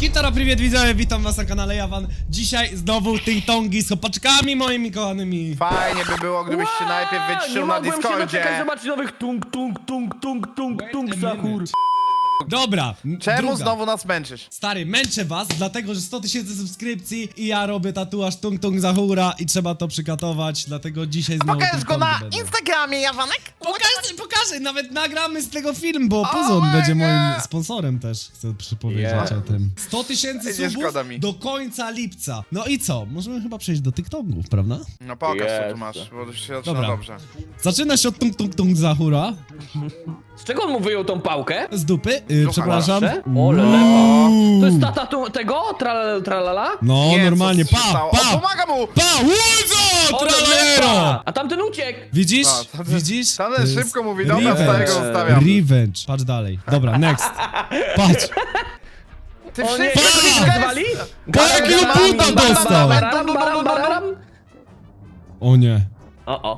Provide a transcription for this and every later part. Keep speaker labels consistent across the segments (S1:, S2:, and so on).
S1: Kitara, привет widzowie, witam was na kanale Jawan. Dzisiaj znowu ting-tongi z chłopaczkami moimi kochanymi.
S2: Fajnie by było, gdybyś się najpierw wyciszył na
S3: Nie mogłem się
S2: Discordzie.
S3: doczekać zobaczyć nowych tung Sahur.
S1: Dobra,
S2: Czemu
S1: druga.
S2: znowu nas męczysz?
S1: Stary, męczę was, dlatego że 100 000 subskrypcji i ja robię tatuaż tung-tung Zahura i trzeba to przykatować, dlatego dzisiaj znowu
S2: Pokaż go
S1: ting-tongi
S2: na
S1: będą.
S2: Instagramie, Jawanek!
S1: Pokażę, nawet nagramy z tego film, bo Puzon
S2: my
S1: będzie
S2: God.
S1: moim sponsorem też, chcę przypowiedzieć o tym. 100 000
S2: Nie
S1: subów
S2: szkoda mi.
S1: do końca lipca. No i co? Możemy chyba przejść do TikToków, prawda?
S2: No pokaż co tu
S3: Jest.
S2: masz, bo już się zaczyna
S1: Dobra.
S2: dobrze.
S1: Zaczyna się od tung-tung Zahura.
S3: Z czego on mu wyjął tą pałkę?
S1: Z dupy, przepraszam.
S3: Proszę? O, lelepa. To jest tata tego? Tralala?
S1: No,
S2: Nie,
S1: normalnie,
S2: co się
S1: pa,
S2: stało?
S1: pa,
S2: O, pomaga mu!
S1: pa, łudzo,
S3: O,
S1: tralero!
S3: lelepa. A tamten uciekł.
S1: Widzisz?
S2: A, tamten-
S1: Widzisz?
S2: tamten
S1: To jest
S2: szybko mówi, dobra,
S1: revenge.
S2: starego zostawiam.
S1: Revenge, patrz dalej. Dobra, next. Patrz.
S2: Ty
S3: O nie, jak
S2: wszystko
S3: to się nazwali?
S1: Jakiego buta dostał? O nie.
S3: O.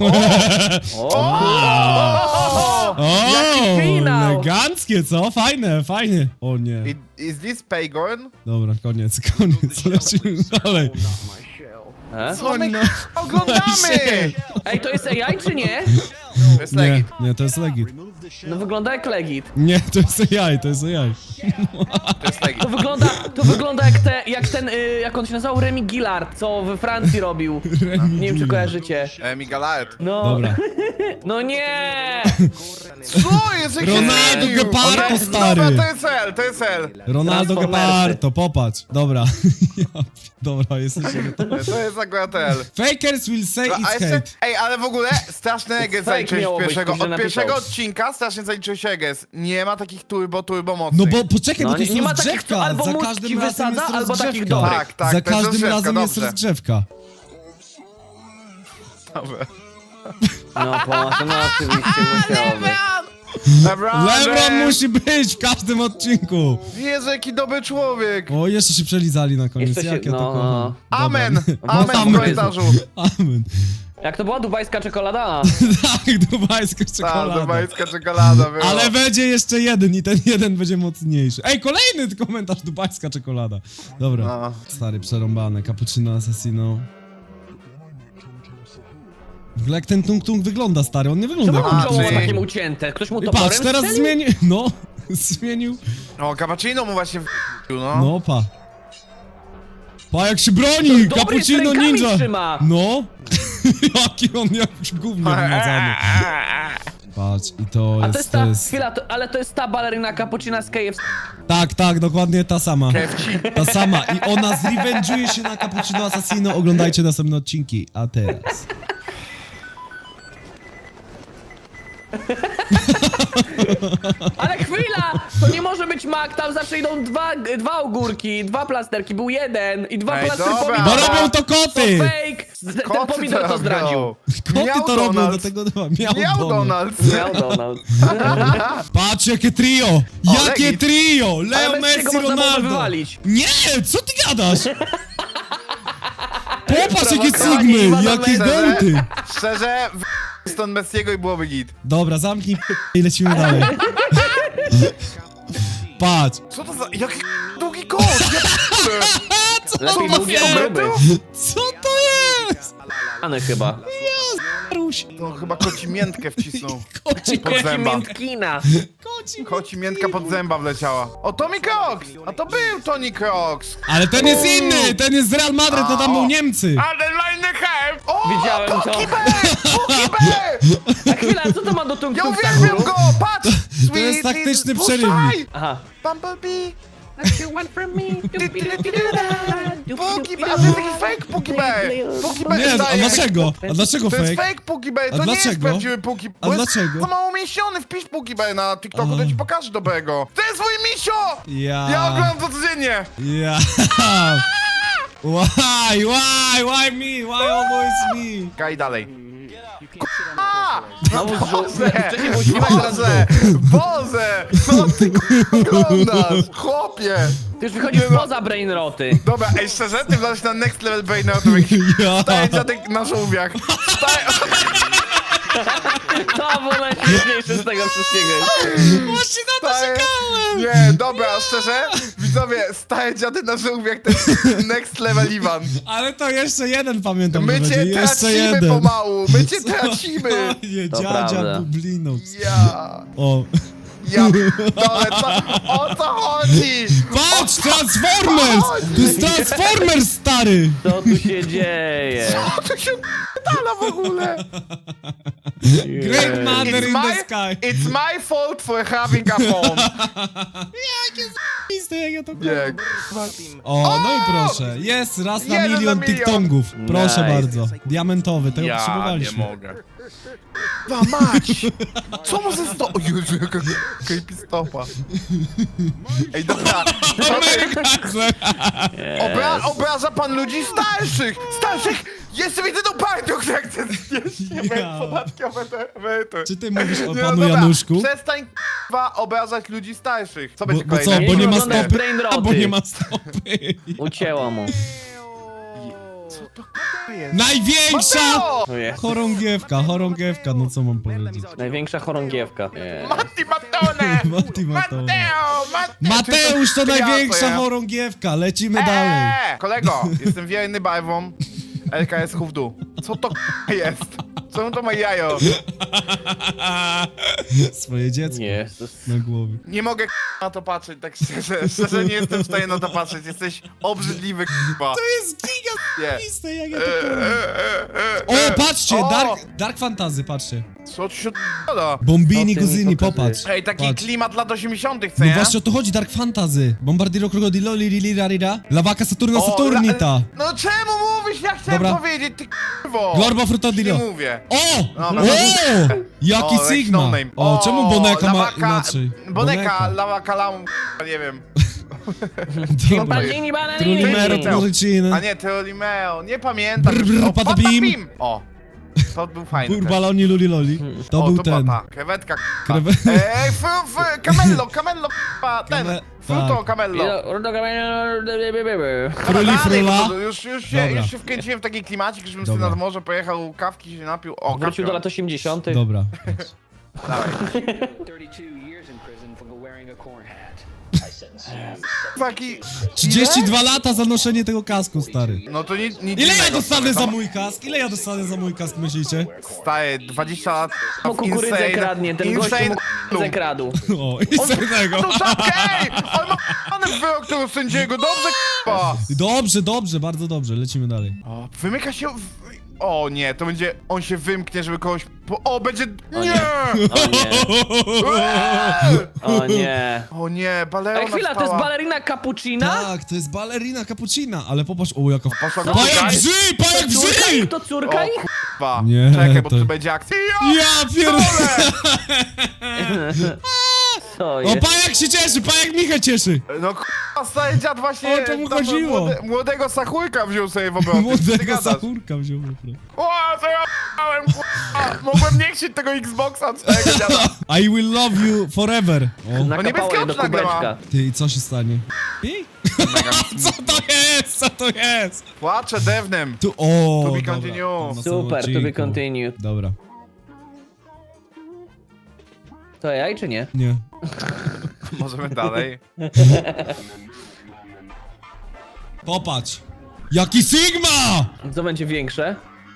S1: O,
S3: finał.
S1: eleganckie, co? Fajne, fajnie. O nie.
S2: Is this Paygorn?
S1: Dobra, koniec, lecimy dalej.
S2: Co my
S1: no.
S2: oglądamy?
S3: Ej, to jest AI czy nie?
S2: To jest
S1: Nie,
S2: legit.
S1: nie, to jest legit.
S3: No wygląda jak Legit.
S1: Nie, to jest AI, to jest AI.
S2: To jest legit.
S3: To wygląda jak ten, jak on się nazywał, Remy Gillard, co we Francji robił. Nie wiem czy kojarzycie.
S2: Migalaet.
S3: No.
S1: Dobra.
S3: No nie!
S2: Co jest? Jak się
S1: Ronaldo
S2: zmienił?
S1: Gepardo,
S2: Dobra,
S1: stary.
S2: to jest L.
S1: Ronaldo
S3: Transformersy.
S1: Gepardo, popatrz. Dobra. Dobra, jesteście gotowi.
S2: To jest akurat L.
S1: Fakers will say
S2: A
S1: it's
S2: jeszcze,
S1: hate.
S2: ej, ale w ogóle straszny eges
S3: Fake
S2: zaliczyłeś
S3: miało być,
S2: pierwszego.
S3: ktoś
S2: Od
S3: napisał.
S2: pierwszego odcinka strasznie zaliczyłeś eges. Nie ma takich turbo mocnych.
S1: No bo poczekaj,
S3: No,
S1: bo to jest
S3: nie ma takich,
S1: rozgrzewka.
S3: co albo
S1: Za
S3: mózg
S1: każdym
S3: ci
S1: razem
S3: wysadza,
S1: jest
S3: albo takich
S1: rozgrzewka.
S3: dobrych.
S2: Tak, tak,
S1: Za
S2: to jest
S1: każdym
S2: rozgrzewka,
S1: razem jest
S2: dobrze.
S1: rozgrzewka.
S2: Dobra.
S3: No oczywiście musiało być.
S1: Lebron musi być w każdym odcinku.
S2: Jezu, jaki dobry człowiek.
S1: O, jeszcze się przelizali na koniec.
S3: Jeszcze się-
S1: Jak ja to
S3: no,
S1: kocham.
S3: no.
S2: Amen.
S1: Dobra.
S2: Amen w
S1: Amen.
S2: komentarzu.
S1: Amen.
S3: Jak to była dubajska czekolada?
S1: Tak, dubajska
S2: Tak,
S1: czekolada.
S2: dubajska czekolada była.
S1: Ale będzie jeszcze jeden i ten jeden będzie mocniejszy. Ej, kolejny komentarz, dubajska czekolada. Dobra.
S2: No.
S1: Stary, przerąbane, cappuccino assassino. W ogóle jak ten tung-tung wygląda, stary, on nie wygląda
S3: Czemu
S1: jak
S3: mu
S2: A,
S3: czoło
S2: czyli-
S3: takie ucięte? Ktoś mu
S1: I
S3: toporem
S1: patrz, teraz
S3: strzelił?
S1: zmienił, no, zmienił,
S2: No, cappuccino mu właśnie no.
S1: no pa. Pa, jak się broni,
S3: Dobry, z
S1: cappuccino
S3: rękami
S1: ninja.
S3: trzyma.
S1: No, jaki on jakiś gówno wymazany. Patrz, i to
S3: A
S1: jest,
S3: to jest ta, chwila, ale to jest ta balerina cappuccina z KFC.
S1: Tak, dokładnie ta sama.
S2: Kewci.
S1: Ta sama i ona zrevenge'uje się na Cappuccino Assassino, oglądajcie następne odcinki, a teraz...
S3: Ale chwila! To nie może być mak, tam zawsze idą dwa ogórki, dwa plasterki, był jeden i dwa
S2: Ej,
S3: plastry
S2: dobra.
S3: pomidora.
S1: Bo robią to koty!
S3: To fake! Ten
S2: Koty
S3: pomidor to
S2: robią.
S3: zdradził.
S1: Koty
S2: Miał
S1: to robią,
S2: Donald.
S1: dlatego
S2: Miał Donald.
S3: Miał Donald.
S1: Patrz, jakie trio! Jakie
S2: legit.
S1: trio! Leo,
S3: Ale Messiego
S1: Messi,
S3: można było
S1: Ronaldo!
S3: wywalić.
S1: Nie, co ty gadasz? Popatrz, jakie
S3: Prowokowanie
S1: Sigmy,
S3: Iwana
S1: jakie
S3: Messiego.
S1: Delty!
S2: Szczerze, stąd Messiego i byłoby git.
S1: Dobra, zamknij i lecimy dalej. Patrz,
S2: Co to za... Jaki długi kot?
S3: Lepiej
S2: to
S3: długi
S2: za
S3: o
S2: metr?
S3: gruby.
S1: co to jest?
S3: Any chyba.
S1: Ruś,
S2: To chyba koci miętkę wcisnął.
S1: koci,
S2: Pod zęba.
S3: Miętkina.
S1: koci.
S2: Koci miętka pod zęba wleciała. O, Tommy Crocs! A to był Tony Crocs!
S1: Ale ten jest inny, ten jest z Real Madrid, to tam był Niemcy.
S2: Ale line have! O,
S3: Widziałem to.
S2: Puki Bear! Puki Bear!
S3: A chwila, co to ma do tung
S2: Ja
S3: tung
S2: uwielbiam
S3: Sahuru?
S2: go! Patrz!
S1: To jest taktyczny
S2: Puszczaj!
S1: przerywnik.
S3: Aha.
S2: Bumblebee!
S3: What you want from me?
S2: Puki Bear! A to jest taki fake Puki Bear! Puki Bear
S1: Nie, a
S2: daje-
S1: dlaczego? A dlaczego
S2: To jest
S1: fake?
S2: fake Puki Bear,
S1: A
S2: to nie jest
S1: dlaczego?
S2: prawdziwy Puki
S1: A dlaczego?
S2: To mało umieściony, wpisz Puki Bear na TikToku, to ci pokażę dobrego. To jest mój misio!
S1: Ja.
S2: Ja oglądam to codziennie!
S1: Ja. Why me? Why always me?
S2: Kaj dalej.
S3: Znowu
S2: Boże!
S3: wcześniej był ślimak, teraz
S2: Boże! Boże! Co ty oglądasz? Chłopie!
S3: Ty już wychodzisz poza brainroty.
S2: Dobra, ej, szczerze, ty wlazłeś na next level brainoutowych.
S1: Ja.
S2: Stajeć na żółwiach.
S3: To było najśmieszniejsze z tego wszystkiego.
S1: Właśnie na to
S2: Stajesz-
S1: czekałem!
S2: Nie, dobra, szczerze, Widzowie, stare dziady na żółwiach to jest next level Iwan.
S1: Ale to jeszcze jeden pamiętam, że
S2: My
S1: będzie.
S2: cię
S1: Jeszcze
S2: tracimy
S1: jeden.
S2: pomału, my cię tracimy.
S1: Nie,
S3: To
S1: dziadzia
S3: prawda.
S1: Bublino.
S2: Ja,
S1: O.
S2: dole, o co chodzi?
S1: Patrz, Transformers! To jest Transformers, stary!
S3: Co tu się dzieje?
S2: Co tu się dala w ogóle?
S1: Great Mother in the Sky.
S2: It's my fault for having a phone.
S1: Piste, jak ja to
S2: Nie,
S1: O, no i proszę. Jest raz na
S2: Jeden na
S1: milion
S2: milion.
S1: tiktongów. Proszę
S3: Nice.
S1: bardzo. Diamentowy, tego
S2: ja nie
S1: potrzebowaliśmy.
S2: mogę. No mać! Co mu ze sto... O Jezu, jaka creepy stopa. Ej, dobra. Obraża pan ludzi starszych! Starszych! Jeszcze widzę tą partią, która chce znieść
S1: Ja.
S2: podatkowe emerytury.
S1: Czy ty mówisz o
S2: Nie,
S1: panu
S2: dobra,
S1: Januszku?
S2: Przestań k***wa obrażać ludzi starszych. Co
S1: Bo
S2: będzie
S1: co,
S2: kolejne?
S1: bo nie ma
S3: Wygląda jak
S1: stopy?
S3: brain
S1: A, bo
S3: roty.
S1: nie ma stopy.
S3: Ucięło mu.
S2: Co to k***a jest?
S1: Największa
S2: Mateo!
S3: O jest.
S1: chorągiewka, no co mam powiedzieć?
S3: Największa chorągiewka.
S2: Matti Mattone!
S1: Matti Mattone.
S2: Matteo!
S1: Mateusz to
S2: Ja,
S1: największa
S2: ja.
S1: chorągiewka, lecimy dalej.
S2: Kolego, jestem wierny barwom. LKS w dół. Co to k***a jest? Co to ma jajo?
S1: Swoje dziecko
S3: Jezus.
S1: na głowie.
S2: Nie mogę k***a na to patrzeć, tak szczerze. Szczerze nie jestem w stanie na to patrzeć. Jesteś obrzydliwy k***a.
S1: To jest giga
S2: Nie.
S1: piste, jak ja to powiem. O, patrzcie,
S2: O!
S1: Dark Fantasy, patrzcie.
S2: Co tu się d***a?
S1: Bombini
S3: Co ty mi
S1: Guzini,
S3: pokazujesz?
S1: popatrz.
S2: Ej, taki
S1: Patrz.
S2: klimat lat 80 co
S1: No
S2: nie?
S1: właśnie o to chodzi, Dark Fantasy. Bombardiro Crocodilo, Lirira, Lawaka Saturna
S2: O,
S1: Saturnita.
S2: No czemu mówisz? Ja chciałem
S1: Dobra.
S2: powiedzieć, ty k***wo.
S1: Glorbo
S2: Nie
S1: Frutodilo.
S2: mówię.
S1: O!
S2: Dobra.
S1: O! Jaki
S2: O, jakiś
S1: Sigma!
S2: no name.
S1: O, czemu Boneka ma
S2: lawaka-
S1: inaczej?
S2: Boneka, lawaka, lam, nie wiem.
S1: Dobra.
S3: Banini, bananini.
S1: Trulimero,
S2: Powiedział.
S1: Trulicino.
S2: A nie, Teolimeo, nie pamiętam.
S1: Brr, brr,
S2: O,
S1: patapim.
S2: patapim. O, to był fajny też.
S1: Burbaloni Luliloli. To
S2: O,
S1: był
S2: to
S1: ten.
S2: była ta krewetka, k***a.
S1: Krewe-
S2: Ej, camello, k***a, ten.
S1: Kame-
S2: Fruto,
S1: tak.
S2: camello.
S1: Fruli
S2: Dalej,
S1: Frula.
S2: bo już
S1: Dobra.
S2: się wkręciłem w taki klimacik, żebym
S1: Dobra.
S2: sobie nad morze pojechał, kawki się napił. O,
S3: Wrócił
S2: kawki.
S3: do lat 80.
S1: Dobra.
S2: Dawaj.
S4: 32 years in prison for wearing a corn hat. I sentence you.
S2: Taki...
S1: 32 lata za noszenie tego kasku, stary.
S2: No to nic
S1: Ile ja
S2: innego
S1: dostanę
S2: sobie,
S1: za
S2: to-
S1: mój kask? Ile ja dostanę za mój kask, myślicie?
S2: Staje 20 lat
S3: Mu kukurydzę kradnie, ten gościu mu kukurydzę kradł.
S1: O, i co tego?
S2: To czapkę, ej! On ma p***ny wyrok tego sędziego, dobrze k***a!
S1: Dobrze, dobrze, bardzo dobrze, lecimy dalej.
S2: O, wymyka się... O nie, to będzie... On się wymknie, żeby kogoś... O, będzie...
S3: O
S2: Nie!
S3: nie. O nie. O nie.
S2: O nie, balerona
S3: Ej, chwila, to jest
S2: wstała.
S3: balerina cappuccina?
S1: Tak, to jest balerina cappuccina, ale popatrz, o jaka...
S2: Poszła go
S1: Pajak
S2: szukać.
S1: wrzy, pajak
S3: Córka
S1: wrzy!
S3: ich? To córka
S2: O
S3: ich?
S2: k***a.
S1: Nie,
S2: Czekaj, bo
S1: to-
S2: tu będzie akcja.
S1: Ja pierdolę!
S3: Co
S1: O,
S3: jest?
S1: pajak się cieszy, pajak Michę cieszy!
S2: No k***a, stary dziad właśnie...
S1: O czemu
S2: tam
S1: chodziło?
S2: Młodego sachujka wziął sobie w obroty. Ty
S1: Młodego
S2: gadasz.
S1: sahurka wziął. naprawdę.
S2: O, co ja p***ałem, k***a. Mogłem nie chcieć tego Xboxa twojego dziada.
S1: I will love you forever. O,
S3: Nakapało je do
S2: niebieskie oczy nagle ma.
S3: kubeczka.
S1: ty, i co się stanie? Pi? Co to jest? Co to jest?
S2: Płaczę dewnem.
S1: Tu, o,
S2: To be
S1: dobra,
S2: continue.
S1: to na samym
S3: Super, to be
S1: odcinku.
S3: continued.
S1: Dobra,
S3: To jaj czy nie?
S1: nie.
S2: Możemy dalej.
S1: Popatrz. Jaki Sigma!
S3: Co będzie większe?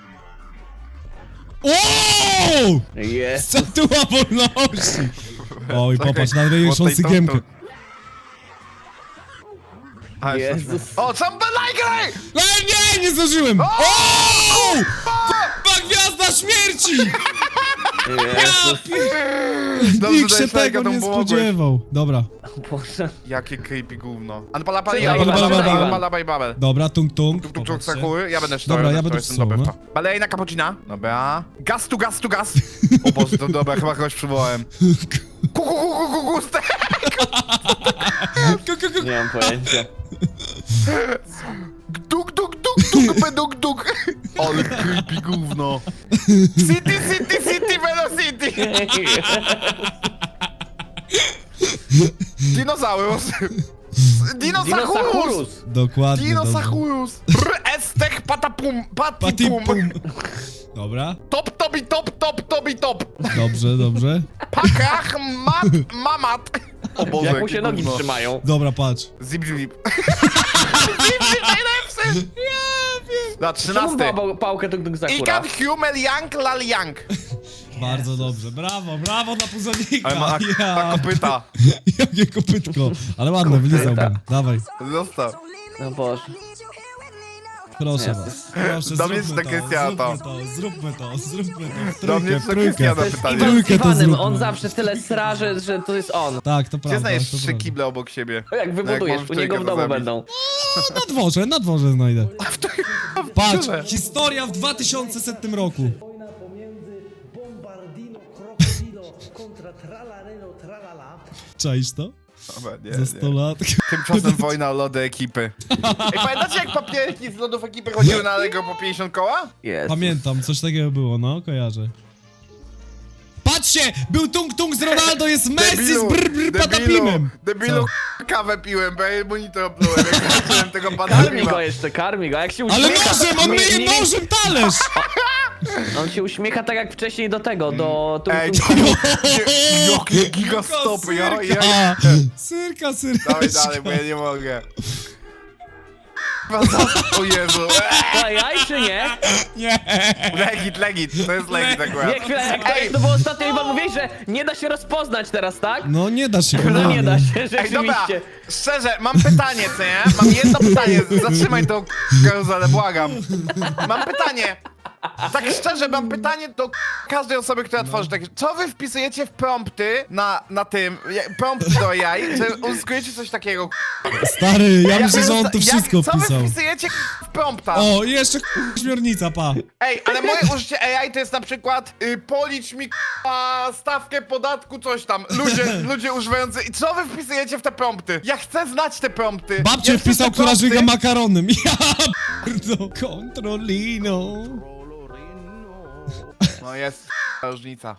S1: O!
S3: Jest.
S1: Statua wolności! Oj,
S2: Czekaj,
S1: popatrz, na największą
S2: bo tej
S1: sygiemkę.
S2: tą- A,
S3: Jezus.
S2: O, sam belajgraj!
S1: Ale nie, nie zdążyłem! O! Kurwa, gwiazda śmierci!
S3: Jezus.
S1: Nikt się
S2: dajesz lajka,
S1: tego
S2: to
S1: nie
S2: pomogłeś.
S1: spodziewał. Dobra,
S3: Boże.
S2: Jakie creepy gówno. Anpala
S3: Czekaj,
S2: babel.
S1: dobra, tung tung.
S2: Tuk tuk
S1: Popatrzcie.
S2: sakuły, ja będę
S1: Dobra, ja będę
S2: jestem
S1: czytał,
S2: dobry.
S1: no.
S2: Balejna cappuccina. Dobra. Gaz tu gaz tu gaz. O Boże, to dobra, chyba kogoś przywołałem.
S3: Nie mam pojęcia.
S2: Duk duk duk duk beduk duk. Ale creepy gówno. City city city velocity. Dinozaurus. Dinosaurus.
S3: Dinosaurus.
S1: Dokładnie, dobra.
S2: Dinosaurus. Estech patapum patipum.
S1: Patipum. Dobra,
S2: Top tobi top top tobi top.
S1: dobrze, dobrze.
S2: Pakach mat mamat. O Boże,
S3: Jak mu
S2: jakie
S3: się nogi
S2: gówno.
S3: trzymają.
S1: Dobra, patrz.
S2: Zip, zip. Zip, najlepszy! Na
S3: Czemu
S2: 13.
S3: pałkę tuk Sakura?
S2: Ikan, Humel, Yang, Lal, Yang.
S1: Bardzo dobrze, brawo, brawo dla puzonika.
S2: Ale ma
S1: Ja.
S2: kopyta.
S1: Jakie kopytko. Ale ładne, wylizałbym. Dawaj,
S2: Zostaw.
S3: No Boże.
S1: proszę
S3: Jezus.
S1: was. Proszę,
S2: Do mnie
S1: zróbmy
S2: czy do
S1: to,
S2: Krystiana
S1: zróbmy
S2: to?
S1: to, zróbmy to, zróbmy to.
S2: Do mnie
S1: Trójkę,
S2: czy do
S1: trójkę.
S2: Krystiana
S3: To jest
S2: pytanie?
S3: Iwan z
S1: Trójkę to
S3: Iwanem,
S1: zróbmy.
S3: on zawsze tyle sra, że to jest on.
S1: Tak, to
S2: Gdzie
S1: prawda.
S2: znajdziesz
S1: to
S2: 3
S1: prawda.
S2: kible obok siebie?
S3: To jak
S2: No
S3: wybudujesz,
S2: jak
S3: u niego w
S2: możesz
S3: domu
S2: trójkę
S3: będą.
S1: Na dworze znajdę. Patrz,
S2: Tyle.
S1: historia w 2100 roku.
S5: Wojna pomiędzy Bombardino, Krokodilo kontra Tralareno, Tralala.
S1: Czaisz to?
S2: Dobra, nie,
S1: Za 100
S2: nie.
S1: lat.
S2: Tymczasem wojna o lody ekipy. Ej, pamiętacie jak papierki z lodów ekipy chodziły na Allegro po 50 koła?
S3: Jest.
S1: Pamiętam, coś takiego było, no, kojarzę. Patrzcie! Był Tung Tung z Ronaldo, jest Messi z Patapimem!
S2: Debilu, kawę piłem, bo ja monitor oplułem, jak zobaczyłem tego
S3: Karmi
S2: Patapima.
S3: go jeszcze, karmi go, jak się
S1: Ale
S3: uśmiecha.
S1: nożem, on myje nożem talerz!
S3: On się uśmiecha tak jak wcześniej do tego, do...
S2: Ej, jakie gigastopy, ja...
S1: A, Syrka, syrka.
S2: Dawaj dalej, bo ja nie mogę. O Jezu,
S3: To jaj czy nie?
S1: Nie!
S2: legit, to jest legit akurat.
S3: Nie, chwilę, jak to było ostatnio, Iwan, mówiłeś, że nie da się rozpoznać teraz, tak?
S1: No nie da się,
S3: No nie da się,
S2: Ej, dobra,
S3: rzeczywiście.
S2: szczerze, mam pytanie, co nie? Mam jedno pytanie, zatrzymaj tą karuzelę, błagam. Mam pytanie. Tak szczerze, mam pytanie do każdej osoby, która tworzy takie. Co wy wpisujecie w prompty na tym, prompty do jaj, że uzyskujecie coś takiego?
S1: Stary, ja myślę, że on to
S2: Jak-
S1: wszystko
S2: Co wy
S1: wpisał.
S2: wpisujecie w prompta?
S1: O, i jeszcze śmiernica, pa.
S2: Ej, ale moje użycie AI to jest na przykład policz mi stawkę podatku, coś tam. Ludzie używający. I co wy wpisujecie w te prompty? Ja chcę znać te prompty.
S1: Babcie
S2: Ja chcę
S1: wpisał,
S2: te
S1: która
S2: prompty.
S1: żyga makaronem. Ja bardzo kontrolino.
S2: No jest różnica.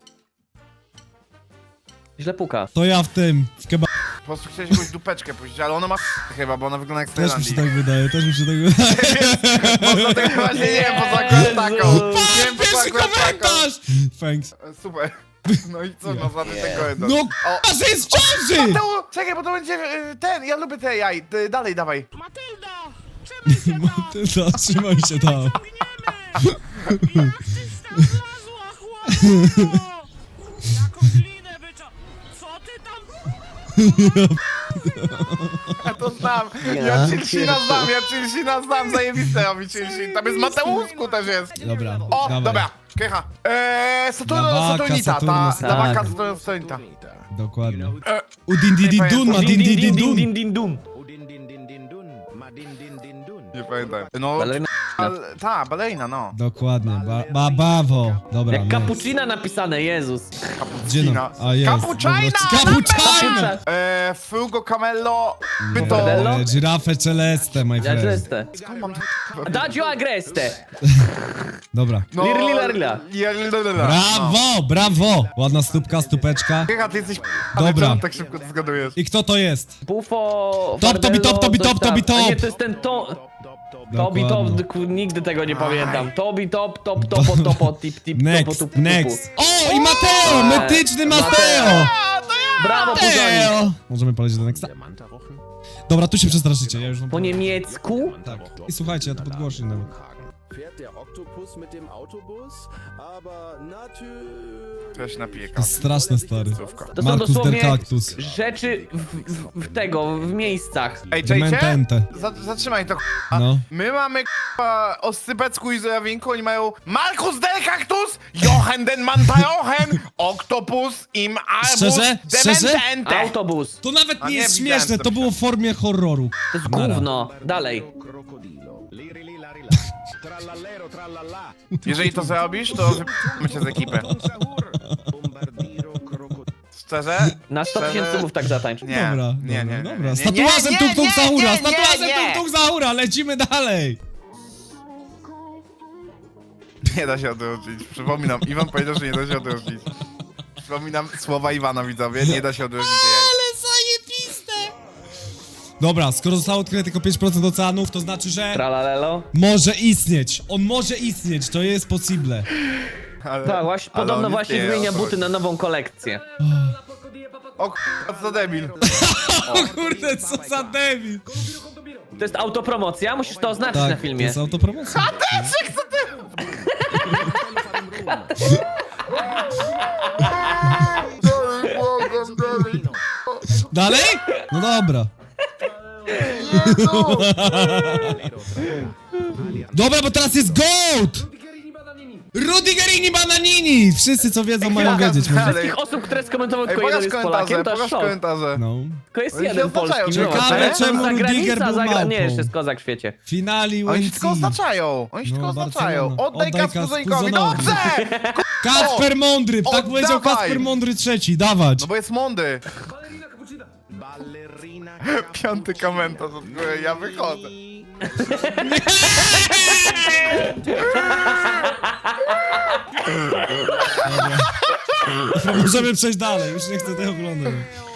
S3: Źle puka.
S1: To ja w tym, w kebabie.
S2: Po prostu chciałeś jakąś dupeczkę puścić, ale ona ma chyba, bo ona wygląda jak z
S1: Też mi się
S2: Tajlandii.
S1: tak wydaje, też mi się tak wydaje.
S2: Może tego właśnie nie wiem, po co akurat taką. Nie wiem, po co
S1: Pierwszy
S2: akurat taką.
S1: komentarz! Thanks.
S2: Super. No i co, no za ten komentarz.
S1: No
S2: O,
S1: k***a, że jest w ciąży!
S2: Mateu, czekaj, bo to będzie ten, ja lubię te AI. Dalej, dawaj.
S6: Matylda! Trzymaj się tam!
S1: Ty zatrzymaj się tam.
S6: Jak artysta wlazła, chłopco! Jaką glinę co ty tam...
S2: Ja to znam. Ja Chilsina znam, zajebiste robi Chilsin. Tam jest Mateusku też jest.
S1: Dobra,
S2: O,
S1: dawaj.
S2: dobra, Krycha.
S1: Dawaka,
S2: Saturnita,
S1: Saturnus,
S2: ta
S3: tak.
S2: dawaka Saturnita.
S1: Dokładnie. Udin di din dun, ma din di din dun.
S3: din din dun.
S2: Nie pamiętam. No,
S3: Balerina.
S2: ta, balerina, no.
S1: Dokładnie, bawo. Dobra,
S3: Jak
S1: jest.
S3: cappuccina napisane, Jezus.
S1: Gdzie no? A jest.
S2: Cappuccina!
S1: Cappuccina!
S2: Frugo Camello,
S3: Bordello?
S2: Pyto.
S1: Giraffe celeste, my
S3: Ja
S1: friend.
S3: czyste.
S2: Skąd mam to?
S3: Daggio agreste.
S1: Dobra.
S2: No,
S3: Lirlilarla.
S1: Brawo, brawo! Ładna stópka, stupeczka.
S2: Krycha, ty jesteś
S1: Dobra.
S2: ale czemu tak szybko to zgadujesz?
S1: I kto to jest?
S3: Bufo...
S1: Top, tobi, top, tobi,
S3: Fardello,
S1: top,
S3: coś
S1: tobi,
S3: tam. A
S1: top.
S3: Nie, to jest ten to... Tobi
S1: Dokładnie.
S3: top, nigdy tego nie pamiętam. Tobi top, topo, tip, topo,
S1: Next,
S3: tupu.
S1: next. O, i Mateo! Metyczny Mateo!
S3: Brawo, Puzonik.
S1: Mateo! Możemy polecieć do nexta? Dobra, tu się przestraszycie, ja już wam
S3: Po niemiecku?
S1: tak. I słuchajcie, ja to podgłoszę nawet.
S7: Fährt der Oktopus mit dem Autobus, aber natürlich...
S2: Ja się napiję
S1: To
S2: kawy.
S1: jest straszne, stary.
S3: To są
S1: Markus der
S3: dosłownie
S1: Cactus.
S3: rzeczy w miejscach.
S2: Ej, czajcie?
S1: Dementente.
S2: Zatrzymaj to, k***a.
S1: No.
S2: My mamy k***a Oscypecku i Zorawinku, oni mają Markus der Cactus, Jochen den Mantajochen, Oktopus im Arbus,
S1: Szczerze? Szczerze?
S2: Dementente.
S3: Autobus.
S1: To nawet
S2: A
S1: nie
S2: nie,
S1: jest
S2: widziałem
S1: śmieszne,
S2: to
S1: to było w formie horroru.
S3: To jest
S1: Nara.
S3: gówno. Dalej.
S2: Jeżeli to zrobisz, to wypijemy cię z ekipy. Szczerze?
S3: Na 100
S2: Szczerze?
S3: tysięcy mów tak zatańcz.
S2: Nie,
S1: Dobra,
S2: nie, nie,
S1: dobra,
S2: nie,
S1: dobra.
S2: nie,
S1: Z tatuażem
S2: nie,
S1: Tung Tung
S2: nie,
S1: Sahura,
S2: nie,
S1: z tatuażem
S2: nie,
S1: Tung Tung Sahura, lecimy dalej.
S2: Nie da się odróżnić. Przypominam, Iwan powiedział, że nie da się odróżnić. Przypominam słowa Iwana, widzowie, nie da się odróżnić jej.
S1: Ale zajebiste. Dobra, skoro zostało odkryte tylko 5% oceanów, to znaczy, że
S3: Tralalelo.
S1: może istnieć. On może istnieć, to jest possible.
S2: Ale,
S3: Tak, właśnie,
S2: ale
S3: podobno
S2: on
S3: właśnie
S2: istnieje,
S3: wymienia
S2: o to
S3: buty
S2: chodzi.
S3: na nową kolekcję.
S2: O co za debil.
S1: O kurde, co za debil!
S3: To jest autopromocja, musisz to oznaczyć na
S1: Tak, to
S3: filmie.
S1: jest autopromocja. Dalej? No dobra. Dobra, bo teraz jest GOAT! Rudigerini Bananini! Wszyscy co wiedzą mają wiedzieć.
S2: Dalej.
S3: Wszystkich osób, które skomentowały
S2: Ej,
S3: tylko jeden
S2: pokaż
S3: jest Polakiem,
S2: komentarze,
S3: to jest
S2: pokaż
S3: szok.
S2: komentarze.
S1: No.
S3: Tylko jest
S2: Oni się
S3: jeden
S2: oznaczają,
S3: polski.
S2: ciekawe,
S3: Ciekawe,
S1: czemu Rudiger był małpą.
S3: Nie, jeszcze jest kozak w świecie.
S1: Finali
S2: Oni się
S1: UNC.
S2: tylko oznaczają. Oni się
S1: No,
S2: tylko oznaczają.
S1: Barcelona.
S2: Oddaj
S1: Oddaj
S2: Kaspuzońkowi.
S1: Kaspuzonowi.
S2: Dobrze!
S1: Kacper Mądry! Tak
S2: Oddawaj!
S1: powiedział Kacper Mądry trzeci, dawać.
S2: No bo jest mądry.
S7: Ballerina
S2: Piąty komentarz od góry, ja wychodzę.
S1: Możemy przejść dalej, już nie chcę tego oglądać.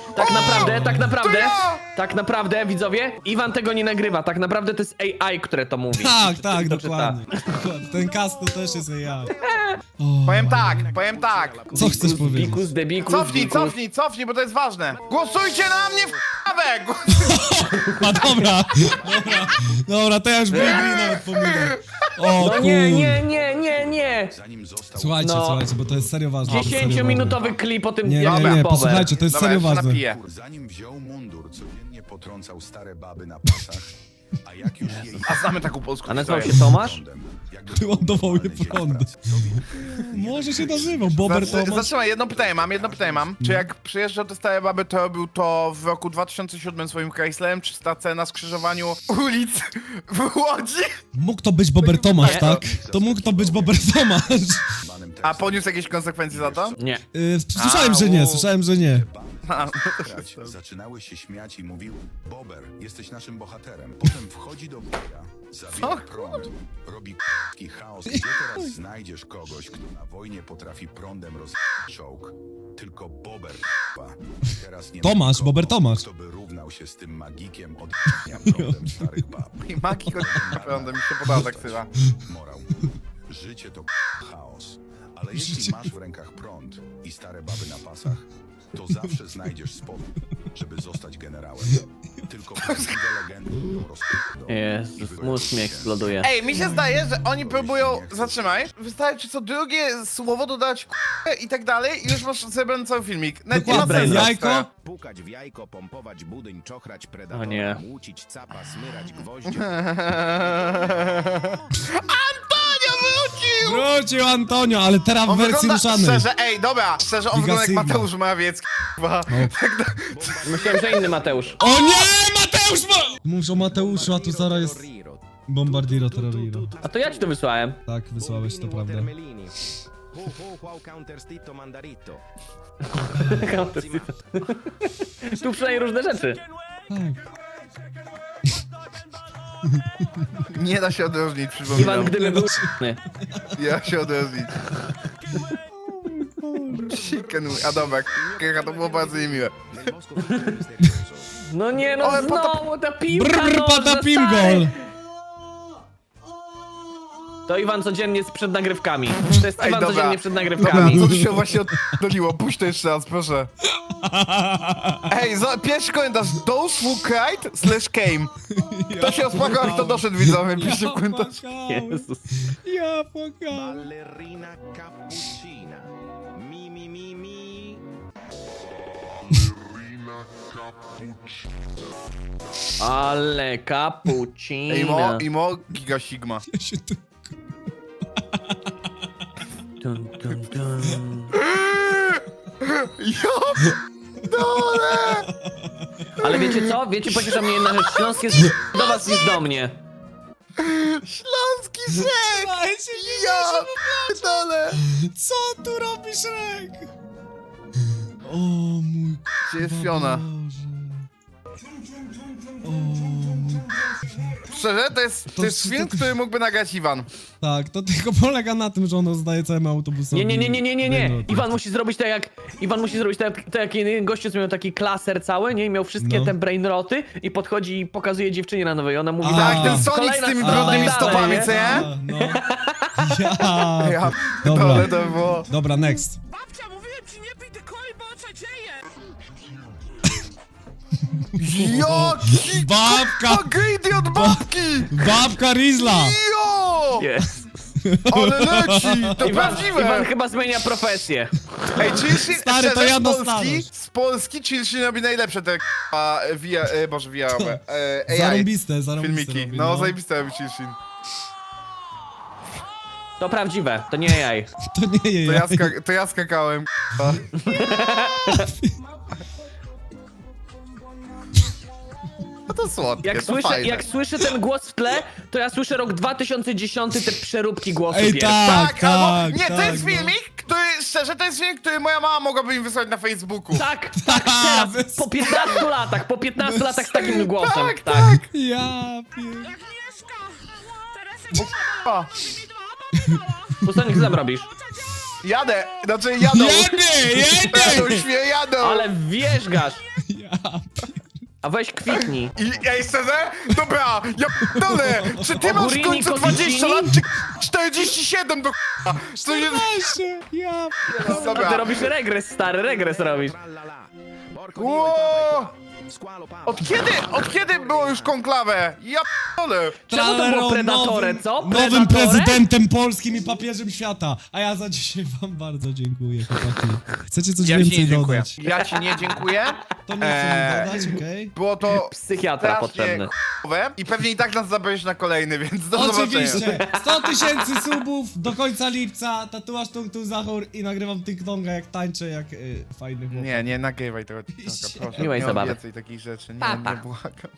S3: Tak naprawdę, widzowie, Iwan tego nie nagrywa. Tak naprawdę to jest AI, które to mówi.
S1: Tak,
S3: To
S1: tak,
S3: czyta.
S1: dokładnie. Ten cast to też jest AI. O,
S2: Powiem tak.
S1: co chcesz powiedzieć?
S3: Bikus, debikus,
S2: Cofnij, bo to jest ważne. Głosujcie na mnie w k***awę!
S1: A dobra, dobra, to ja już Blue nawet pominę. O
S3: No
S1: kur...
S3: nie.
S1: Słuchajcie,
S3: No.
S1: słuchajcie, bo to jest serio ważne. to jest serio
S3: 10-minutowy klip o tym,
S1: Nie,
S3: jak
S1: nie,
S3: był
S1: nie,
S3: Bober.
S1: posłuchajcie, to jest
S2: Dobra,
S1: serio
S2: ja się
S1: ważne.
S2: napiję.
S8: Zanim wziął mundur, codziennie potrącał stare baby na pasach, a jak już jej
S2: A znamy taką polską
S3: A nazywał
S2: historię.
S3: się Tomasz?
S8: prądem, jakby
S1: Wyładował je
S8: będzie w
S1: prąd.
S8: pracy.
S1: Może się nazywał, Bober Thomas.
S2: Zatrzymaj, jedno pytanie mam. Czy jak przyjeżdżał te stare baby, to robił to w roku 2007 swoim Chryslerem, czy stację na skrzyżowaniu ulic w Łodzi?
S1: Mógł to być Bober Tomasz,
S3: Nie.
S1: tak? To mógł to być Bober Tomasz.
S8: Banym
S2: A poniósł jakieś konsekwencje za to?
S3: Nie.
S1: Słyszałem, że nie, słyszałem, że nie.
S8: grać, zaczynały się śmiać i mówił: Bober, jesteś naszym bohaterem. Potem wchodzi do boja, zabija prąd, robi k***ki chaos. Gdzie teraz znajdziesz kogoś, kto na wojnie potrafi prądem rozwijać czołg? Tylko Bober k***a. Teraz nie ma
S1: Tomasz,
S8: nikogo,
S1: Bober Tomasz.
S8: Kto by równał się z tym magikiem od prądem starych bab.
S2: I Maki go naprawdę mi się podoba tak chyba.
S8: Morał. Życie to chaos. Ale jeśli masz w rękach prąd i stare baby na pasach, to zawsze znajdziesz sposób, żeby zostać generałem. Tylko prawdziwe legendy to rozpoczną.
S3: Jezus, mózg mi eksploduje.
S2: Ej, mi się zdaje, że oni próbują... Zatrzymaj. Wystarczy co drugie słowo dodać k***e i tak dalej i już masz zebrany cały filmik. Nawet nie ma
S1: Dokładnie,
S2: sensu.
S1: jajko.
S7: Pukać w jajko, pompować budyń, czochrać predatora,
S3: O nie.
S7: młócić capa, smyrać gwoździe.
S2: Antonio wrócił!
S1: Wrócił Antonio, ale teraz w
S2: On
S1: wersji
S2: wygląda,
S1: ruszanej.
S2: szczerze, ej, dobra, szczerze, on
S1: Giga
S2: wygląda jak
S1: Sigma.
S2: Mateusz Morawiecki, k***a.
S3: Myślałem, że inny Mateusz.
S1: O nie, Mateusz ma... Mówisz o Mateuszu, a tu zaraz jest Bombardiro Terroriro.
S3: A to ja ci to wysłałem.
S1: Tak, wysłałeś, to prawda.
S7: Ho, ho, wow, counterstito, mandarito.
S3: Tu przynajmniej różne rzeczy.
S1: Tak.
S2: Nie da się odróżnić,
S3: Iwan,
S2: przypominam.
S3: gdyby był
S2: Ja się odróżnić. Chicken, a dobra, k***a, to było bardzo niemiłe.
S3: No nie, no
S2: Ale
S3: znowu ta piłka
S1: Brr,
S3: nożna,
S1: patapim
S3: stary.
S1: gol.
S3: To Iwan codziennie przed nagrywkami. To jest
S2: Ej,
S3: Iwan
S2: dobra.
S3: codziennie przed
S2: Dobra,
S3: nagrywkami.
S2: co tu się właśnie oddoliło? Puść to jeszcze raz, proszę. Ej, pierwszy komentarz. Those who cried/came. To się rozpłakał, kto doszedł, widzowie. Piszcie w komentarzu.
S3: Jezus.
S1: Ja płakałem.
S7: Ballerina cappuccina. Mi, mi, mi, mi.
S3: Ale cappuccino.
S2: Imo, giga sigma.
S1: Ja się tu...
S3: Dun, dun, dun.
S2: Ja dole!
S3: Ale wiecie co? Wiecie, pociesza mnie jedna rzecz. Śląsk jest do was niż do mnie.
S2: Śląski rzek! Ja dole!
S1: Co tu robisz, Rek? O mój
S2: Gdzie jest Fiona?
S1: Boże. O mój...
S2: Szczerze, to jest film, który mógłby nagrać Iwan.
S1: Tak, to tylko polega na tym, że on rozdaje całemu autobusowi.
S3: Nie. Iwan musi zrobić tak jak... Iwan musi zrobić tak jak jeden gościu, co miał taki klaser cały, nie? I miał wszystkie
S1: No.
S3: te brainroty i podchodzi i pokazuje dziewczynie na nowej. Ona mówi...
S1: A.
S2: Tak, ten Sonic
S3: Kolejna-
S2: z tymi
S3: a,
S2: brudnymi
S3: dalej,
S2: stopami,
S3: nie?
S2: co nie?
S1: A, no. Ja.
S2: Ja
S1: Dobra.
S2: dole to było.
S1: Dobra, next.
S6: Babcia, mówiłem ci nie pij ty coli, bo oczadzieje!
S2: Jaki
S1: Babka!
S2: greedy od babki!
S1: Babka Rizla!
S2: Jo!
S3: Jest.
S2: Ale leci! To
S3: Iwan
S2: prawdziwe!
S3: chyba zmienia profesję.
S2: Ej, Chilshin,
S1: Stary, to
S2: szczerze,
S1: ja
S2: z Polski,
S1: dostanę.
S2: z Polski Chilshin robi najlepsze te AI
S1: Zarąbiste
S2: filmiki.
S1: robi,
S2: No, zajebiste robi Chilshin.
S3: To prawdziwe, to nie jaj.
S1: To nie je
S2: To ja skakałem, No to słodkie,
S3: Jak słyszę ten głos w tle, to ja słyszę rok 2010, te przeróbki głosów
S1: Ej,
S3: jest.
S1: tak,
S2: albo, nie, to
S1: tak,
S2: jest
S1: no.
S2: filmik, który, szczerze, to jest filmik, który moja mama mogłaby mi wysłać na Facebooku.
S3: Tak, teraz,
S1: Bez-
S3: po 15 latach z takim głosem.
S2: Tak.
S1: Ja pier...
S6: Agnieszka! Teresek
S2: O,
S3: Pustonik, co tam robisz?
S2: jadę, znaczy jadą.
S1: Jedę!
S2: Jadą.
S3: Ale wierzgasz!
S1: Ja
S3: A weź kwitnij.
S2: I ej, szczerze? Dobra, ja p***dolę! Czy ty masz w
S3: Ogurini,
S2: końcu
S3: kotwicini?
S2: 20 lat, czy 47 do k***a? To jest...
S1: pier... Ja
S3: A ty
S2: Dobra.
S3: robisz regres, stary, regres robisz.
S2: Ło! Od kiedy było już konklawę? Ja p***dolę!
S3: Czemu to było Predatore,
S1: nowym,
S3: co?
S1: Nowym
S3: Predatore?
S1: prezydentem polskim i papieżem świata. A ja za dzisiaj wam bardzo dziękuję, chłopaki. Chcecie coś
S2: Ja ci nie
S1: więcej
S2: dziękuję.
S1: dodać?
S2: Ja ci nie dziękuję.
S1: To nie chcę mi dodać, okej?
S2: Było to
S3: Psychiatra
S2: strasznie
S3: potrzebny.
S2: k***owe i pewnie i tak nas zabrałeś na kolejny, więc do zobaczenia.
S1: Oczywiście! 100 000 subów do końca lipca, tatuaż Tung Tung Zachor i nagrywam TikToka jak tańczę, jak fajny chłopak.
S2: Nie nagrywaj tego TikToka, proszę.
S3: Miłej
S2: nie
S3: zabawy.
S2: obiecaj takich rzeczy,
S3: Pa, pa.
S2: nie błagam.